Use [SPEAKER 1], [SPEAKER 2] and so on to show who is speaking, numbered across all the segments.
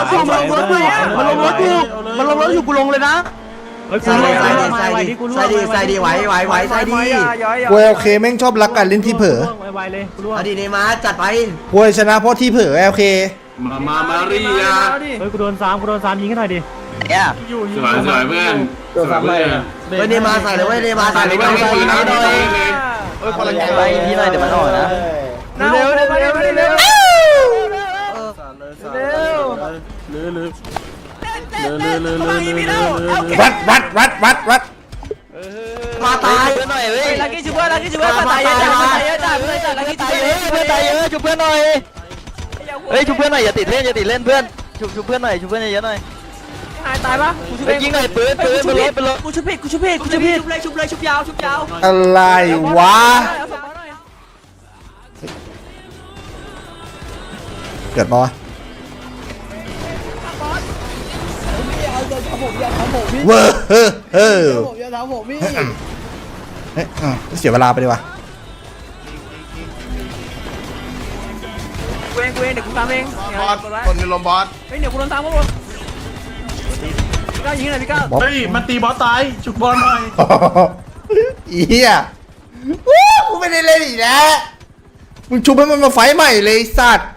[SPEAKER 1] อยู่มันลงรถอยู่มันลงรถอยู่มันลงรถอยู่กูลงเลยนะ
[SPEAKER 2] ใส่ดีไหวใส่ดี
[SPEAKER 3] กูโอเคแม่งชอบรักกันเล่นที่เผลอ
[SPEAKER 2] อดีเนมาจัดไป
[SPEAKER 3] กูชนะเพราะที่เผลอโอเค
[SPEAKER 4] มาเรีย
[SPEAKER 1] เฮ้ยกูโดน3ยิงให้หน่อยดิ
[SPEAKER 2] เนี่ย
[SPEAKER 4] สวยเพื่อนสวยเพื่อน
[SPEAKER 2] เฮ้ยเนมาใส่เลยเว้ยเนมาใส่เลยไม่ปืนนะเลย
[SPEAKER 1] เฮ้ยคนละแกงไปพี่หน่อยเดี๋ยวมันออกนะเร็ว
[SPEAKER 3] วัด
[SPEAKER 2] มาตาย
[SPEAKER 1] หน่อยเว้ยลักกี้ช่วยมาตายเยอะจัดลักกี้ช่วยเพื่อนตายเยอะช่วยเพื่อนหน่อยเฮ้ยช่วยเพื่อนหน่อยอย่าติดเล่นเพื่อนช่วยเพื่อนหน่อยช่วยเพื่อนเยอะหน่อยตายปะกูช่วยยิงหน่อยปืนเป็นรถกูช่วยผิดชุบยาว
[SPEAKER 3] อะไรวะเกิดปะวะเว้อเสียเวลาไปดีกว่า
[SPEAKER 1] กูเองเดี๋ยวกูตามเอง
[SPEAKER 4] บอสคนในลมบอส
[SPEAKER 1] เฮ้ยเดี๋ยวกูโดนตามพวกมึงพี่ก้าวยิงหน่อยพี่ก้าว
[SPEAKER 4] เฮ้ยมันตีบอสตายจุกบอลหน่อย
[SPEAKER 3] เฮียกูไม่ได้เล่นอีกแล้วมึงชุบให้มันมาไฟใหม่เลยสัตว์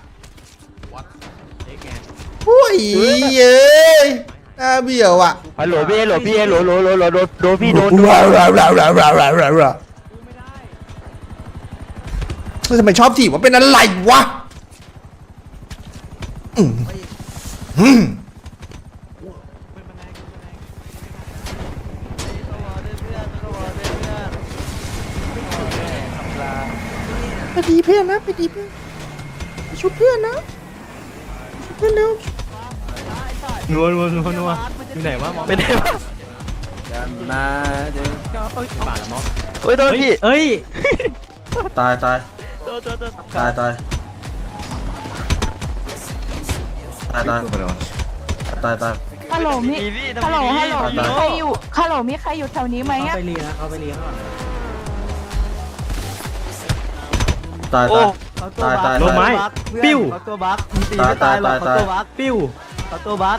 [SPEAKER 3] โอ้ยเย้ยน่าเบี้ยวอ่ะ
[SPEAKER 1] ฮัลโหลพี่โดนพี่โดน
[SPEAKER 3] ทำไมชอบถีบว่าเป็นอะไรวะไปดีเพื่อนนะไปดีเพื่อนชุบเพื่อนนะชุบเพื่อนเร็ว
[SPEAKER 1] นัวอยู่ไหนวะไม่ได้วะมาเดี๋ยวบาดละมั้งเฮ้ยโดนพี่เฮ้ย
[SPEAKER 4] ตาย
[SPEAKER 5] ฮัลโหลมีใครอยู่แถวนี้ไหมอ่ะ
[SPEAKER 1] ไปเรียนเขาไปเรียน
[SPEAKER 4] ตาย
[SPEAKER 1] ลงไม้ปิ้ว
[SPEAKER 2] ตัวบัก
[SPEAKER 4] ตาย
[SPEAKER 1] ปิ้ว
[SPEAKER 2] ตัวบัก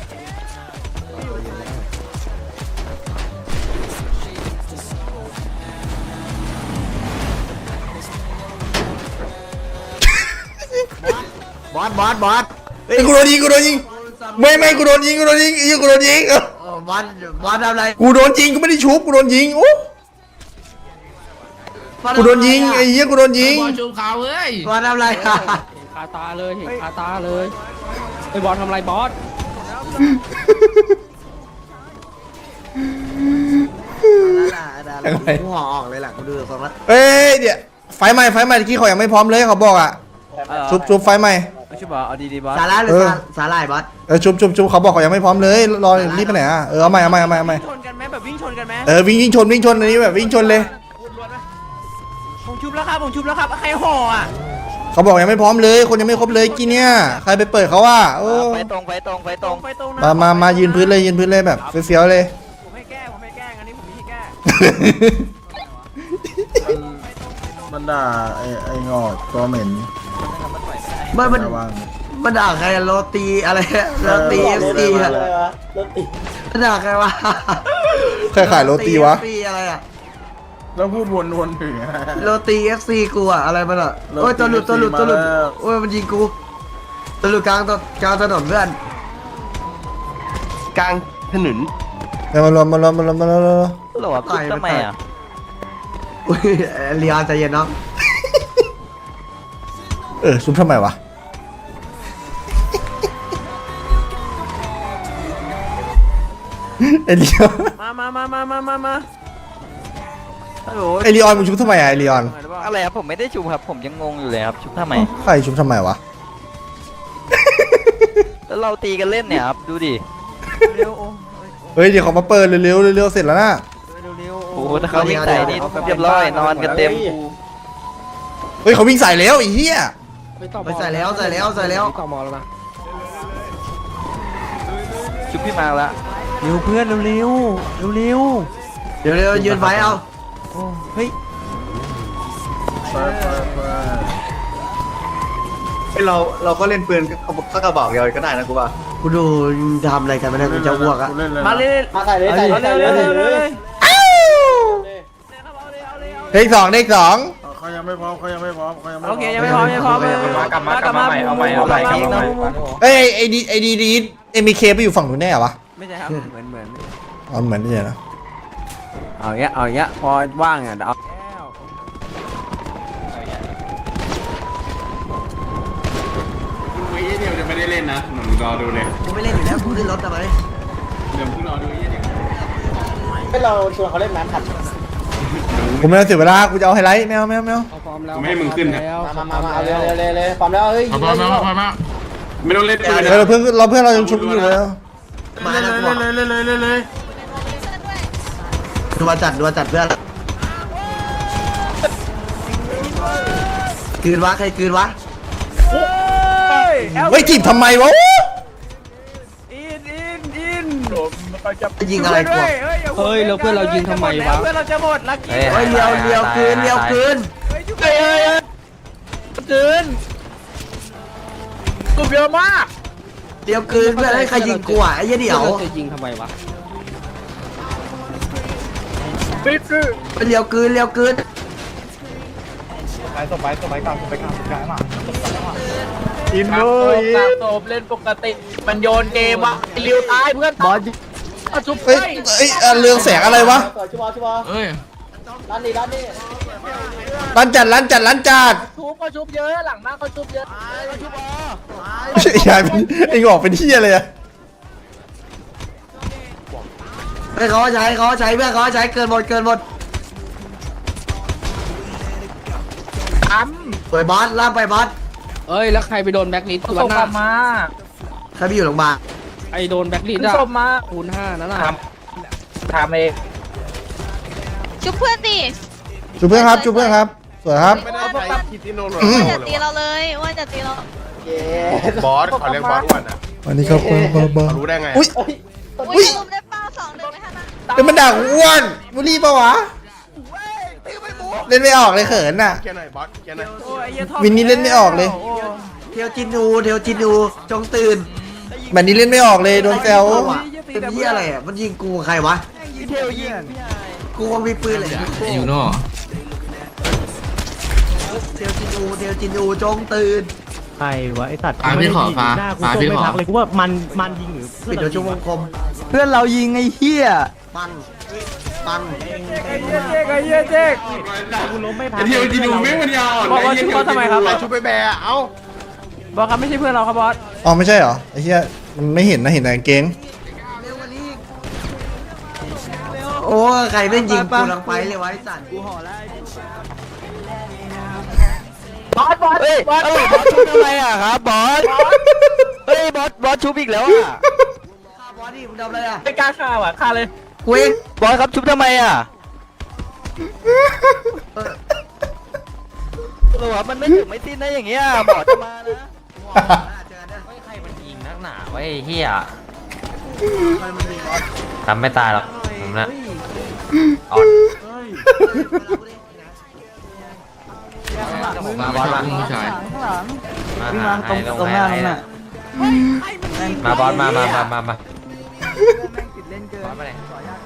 [SPEAKER 2] บอส
[SPEAKER 3] กูโดนยิงไม่กูโดนยิงกูโดนยิง
[SPEAKER 2] บอสทำอะไร
[SPEAKER 3] กูโดนยิงกูไม่ได้ชุบกูโดนยิงโอ้กูโดนยิงไอ้เหี้ยกูโดนยิง
[SPEAKER 4] บอลชูเขาเฮ้ย
[SPEAKER 2] บอสทำอะไร
[SPEAKER 1] คาตาเลยไอ้บอสทำอะไรบอส
[SPEAKER 2] หัวออกเลยแหละกูดูฟังละ
[SPEAKER 3] เอ้ยเดี๋ยวไฟใหม่ที่เขายังไม่พร้อมเลยเขาบอกอ่ะชุบไฟใหม่
[SPEAKER 1] ชุบเอาดีบอส
[SPEAKER 2] สาระหรือสาหร่ายบอส
[SPEAKER 3] ชุบเขาบอกเขายังไม่พร้อมเลยรอรีบไปไหนอ่ะเอาใหม่
[SPEAKER 1] ชนกันไหมแบบวิ่งชนกันไหม
[SPEAKER 3] วิ่งชนอันนี้แบบวิ่งชนเลย
[SPEAKER 1] ผมชุบแล้วครับใครห่ออ่ะ
[SPEAKER 3] เขาบอกยังไม่พร้อมเลยคนยังไม่ครบเลยกี่เนี่ยใครไปเปิดเขาว่า
[SPEAKER 1] ไปตรง
[SPEAKER 3] มายืนพื้นเลยแบบเฟี้ยวเลย
[SPEAKER 1] ผมให้แก้งั้นนี้ผมไม่ให้แก้
[SPEAKER 4] มันด่าไอ้งอกตัวเหม็น
[SPEAKER 2] มันด่าใครโรตีอะไรโรตีFCอะมันด่าใครวะ
[SPEAKER 3] ใครขายโรตีวะ
[SPEAKER 2] อะไรอะ
[SPEAKER 4] แล้วพูดวนถึง
[SPEAKER 2] โรตี FC กูอะอะไรมันอะโอ้ยตัวหลุดโอ้ยมันยิงกูตัวหลุดกลางถนนเพื่อนกลางถนน
[SPEAKER 3] มารวม
[SPEAKER 1] หรอต่อยทำไมอ่ะ
[SPEAKER 2] อุ้ยเลียนใจเย็นเนาะ
[SPEAKER 3] ซุปทำไมวะเอลิออน
[SPEAKER 1] มา
[SPEAKER 3] เอลิออนมึงชุบทำไมอะเอลิออน
[SPEAKER 1] อะไรครับผมไม่ได้ชุบครับผมยังงงอยู่เลยครับชุบทำไม
[SPEAKER 3] ใครชุบทำไมวะ
[SPEAKER 1] แล้วเราตีกันเล่นเนี่ยครับดูดิ
[SPEAKER 3] เฮ้ยเดี๋ยวเขามาเปิดเร็วเสร็จแล้วนะ
[SPEAKER 1] โอ้โหถ้าเขาวิ่งใส่นี่เรียบร้อยนอนกันเต็ม
[SPEAKER 3] เฮ้ยเขาวิ่งใส่แล้วไอ้เหี้ย
[SPEAKER 2] ไปใส่แล้วต่อมอแล้วนะ
[SPEAKER 1] ชุบพี่มาละเร็วเพื่อนเร็ว
[SPEAKER 2] ยืนไฟเอา
[SPEAKER 1] เฮ้ย
[SPEAKER 6] เราก็เล่นปืนก็กระบอกเดียวก็ได้นะกูว่า
[SPEAKER 2] กูดูทำอะไรกันไม่ได้กูจะอ้วกอะ
[SPEAKER 4] กูเล่นเลย
[SPEAKER 1] มาเลย
[SPEAKER 7] มาใส่เลยใส่เลย
[SPEAKER 3] เลขสองเลขสอง
[SPEAKER 4] เขายังไม่พร้อมเขายังไม่พร้อมเขายังไม่พร้อม
[SPEAKER 1] โอเคยังไม่พร้อมยังไม่พร้อมกลับมาใหม่เอาใหม่พีกนะ
[SPEAKER 3] เอ้ยไอดีเอ็มบีเคไปอยู่ฝั่งนู้นแน่เหรอวะ
[SPEAKER 1] ไม่ใช่ครับเหมือน
[SPEAKER 3] อ๋อเหมือนไม่ใช่นะ
[SPEAKER 1] เอาอย่างเงี้ยพอว่างอ่ะเดี๋ยวเอา
[SPEAKER 8] ดูเดี๋ยวจะไม่ได้เล่นนะหนุ่มรอดูเลย
[SPEAKER 2] กูไม่เล่นอยู่แล้วกูขึ้นรถทำไม
[SPEAKER 8] เดี๋ยวเพิ่งรอดูเดี๋ยว
[SPEAKER 7] ให้เราชวนเขาเล่นน้ำขัด
[SPEAKER 3] ผมไม่ต้องเสียเวลากูจะเอาไฮไลท์ไม่เอา
[SPEAKER 8] ไม่ให้มึงขึ้นนะ
[SPEAKER 7] มาเอาเลยพร้อมแล้วเฮ้ย
[SPEAKER 8] พอมาไม่ต้องเล่นปืน
[SPEAKER 3] เราเพื่อนเรายังชุบอยู่เลย
[SPEAKER 2] มา
[SPEAKER 4] เล่น
[SPEAKER 2] แล้ว
[SPEAKER 4] เลยเล่นเลยเล่นเลย
[SPEAKER 2] ดูมาจัดเพื่อนคืนวะใครคืนวะ
[SPEAKER 3] เฮ้ยจีบทำไมวะ
[SPEAKER 2] จะยิงอะไรกู
[SPEAKER 1] เฮ้ยแล้วเพื่อนเรายิงทำไมวะเพื่อนเราจะหมดลักกี้
[SPEAKER 2] เฮ้ยเลียวคืนเลียวคืน
[SPEAKER 1] คืนกูเยอะมาก
[SPEAKER 2] เลียวคืนเพื่อนให้ใครยิงกูอ่ะไอ้เหี้ยเดี๋ยว
[SPEAKER 1] จะยิงทำไมวะ
[SPEAKER 2] เลียวคืนเลียวคืน
[SPEAKER 1] อินโดตบเล่นปกติมันโยนเกมวะเลี้ยวตายเพื่อนบอลชุบ
[SPEAKER 3] เฮ้ยเรืองแสงอะไรวะ
[SPEAKER 7] ชิบอร้านนี้
[SPEAKER 3] ร้านจัด
[SPEAKER 1] ชุบก็ชุบเยอะหลังมากเขาชุบเยอะชุบ
[SPEAKER 3] ยายเป็นไอ้งอกเป็นเที่ยเลยอะ
[SPEAKER 2] ให้เขาใช้เพื่อนเขาใช้เกินหมดสวยบอสล่ามไปบอส
[SPEAKER 9] เอ้ยแล้วใครไปโดนแบ็คลิสต์วันหน้า
[SPEAKER 1] มา
[SPEAKER 2] ใครไปอยู่โรงพยาบาล
[SPEAKER 9] ไอโดนแบ็คลิสต์อะ
[SPEAKER 1] ศพมา
[SPEAKER 9] คูณ5นั่นน่ะ
[SPEAKER 1] ทำเอง
[SPEAKER 10] ชุบเพื่อนดิ
[SPEAKER 3] ชุบเพื่อนครับสวยครับ
[SPEAKER 10] ว่าจะตีเราเลยว่าจะตีเรา
[SPEAKER 4] บอสเขาเรียกบอสอ้วนอ่ะ
[SPEAKER 3] วันนี้เขาบอ
[SPEAKER 4] รู้ได้ไง
[SPEAKER 3] อุ้ย
[SPEAKER 10] อุ้ยลุมได้เป้า2-1ไหมฮะนะ
[SPEAKER 3] เดี๋ยวมันด่ากูอ้วนบุรีปะวะเล่นไม่ออกเลยเขินอ่ะ
[SPEAKER 4] เกียร์หน่อยบอสเกียร์หน่อย
[SPEAKER 3] วินนี่เล่นไม่ออกเลย
[SPEAKER 2] เทียวจินูจงตื่น
[SPEAKER 3] แบบนี้เล่นไม่ออกเลยโดนแซว
[SPEAKER 2] เป็นเหี้ยอะไรอ่ะมันยิงกูใครวะ
[SPEAKER 1] เทลยิง
[SPEAKER 2] กูคงมีปืนเลย
[SPEAKER 9] อยู่นอก
[SPEAKER 2] เทียวจินูจงตื่น
[SPEAKER 5] ใครวะไอสัตว์
[SPEAKER 9] ฟ้าพี่ขอฟ้า
[SPEAKER 5] หน้ากู
[SPEAKER 9] ฟ้า
[SPEAKER 5] ส้ม
[SPEAKER 9] พี่
[SPEAKER 5] ไม่
[SPEAKER 9] ขอ
[SPEAKER 5] พักเลยกูว่ามันยิงหรือ
[SPEAKER 2] ปิดโดยชั่วโมงคม
[SPEAKER 1] เพื่อนเรายิงไอ้เหี้ย
[SPEAKER 2] ปัง
[SPEAKER 1] เจ๊ก
[SPEAKER 5] กูล้มไม่พัก
[SPEAKER 8] เดี๋ยวจีนูไม่มันยาว
[SPEAKER 1] บอกว่าชุบเขาทำไมครับ
[SPEAKER 4] ชุบไปแบะเอ้า
[SPEAKER 1] บอกครับไม่ใช่เพื่อนเราครับบอส
[SPEAKER 3] อ๋อไม่ใช่เหรอไอ้เหี้ยมันไม่เห็นนะเห็นแต่กางเกง
[SPEAKER 2] โอ้ใครเล่นยิงกูลังไปเลยไว้สัตว์กูห่อแล้ว
[SPEAKER 1] บอสเฮ้ยบอสชุบทำไมอ่ะครับบอสเฮ้ยบอสชุบอีกแล้วอ่ะ
[SPEAKER 2] ฆ่าบอสดิมึงทำอะไรอ่ะ
[SPEAKER 1] ไม่กล้าฆ่าว่ะฆ่าเลย
[SPEAKER 2] กูเอง
[SPEAKER 1] บอสครับชุบทำไมอ่ะหรอมันไม่ถึงไม่สิ้นนะอย่างเงี้ยหมอจะมานะใครมันยิงนักหนาไว้เฮียทำไม่ตายหรอกผมนะอ่อนมาบอสมาผู้ชายมาตรงหน้าตรงน่ะมาบอสมาบอสไปไหน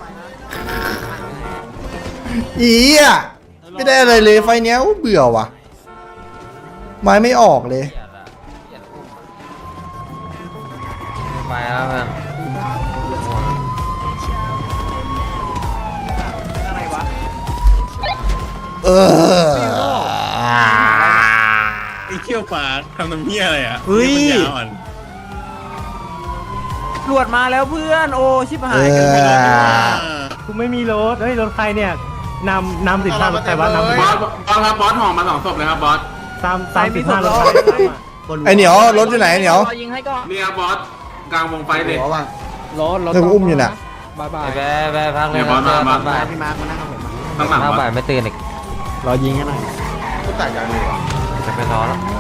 [SPEAKER 3] อีอ่ะไม่ได้อะไรเลยไฟเนี้ยเบื่อว่ะไม้ไม่ออกเลย
[SPEAKER 1] ไปแล้วเพื่อน
[SPEAKER 3] เออ
[SPEAKER 8] ไอ้เขี้ยวฟ้าทำน้ำเหี้ยอะไรอ่ะ
[SPEAKER 1] เฮ้ย
[SPEAKER 8] ยาวอ่อน
[SPEAKER 1] ตรวจมาแล้วเพื่อนโอ้ชิบหา
[SPEAKER 3] เอย
[SPEAKER 1] กัน
[SPEAKER 5] กูไม่มีรถเฮ้ยรถใครเนี่ยนำ15รถใครวะนำ
[SPEAKER 8] บอสครับบอสห่อมา2 ศพเลยครับบอส
[SPEAKER 5] ตาม15รถใคร
[SPEAKER 3] ไอเหนียวรถอยู่ไหนไอ้เหนียว
[SPEAKER 1] ยิงให้ก่อน
[SPEAKER 8] นี่ครับบอสกลางวงไฟเลย
[SPEAKER 2] หัวว่ะ
[SPEAKER 9] รถ
[SPEAKER 3] เธออุ้มอยู่น่ะ
[SPEAKER 9] บายบาย
[SPEAKER 1] ไปพักเลย
[SPEAKER 8] เนี่ยบอสมา
[SPEAKER 2] พี่มาร์คมานั่งกับผม
[SPEAKER 8] ข้างหลัง
[SPEAKER 1] พัก
[SPEAKER 8] บอ
[SPEAKER 1] ไป
[SPEAKER 8] ส
[SPEAKER 1] ไม่ตื่นอีก
[SPEAKER 5] รอยิงให้หน่อย
[SPEAKER 4] ก็แต่ยังดีว่ะ
[SPEAKER 1] จะไปรอแล้ว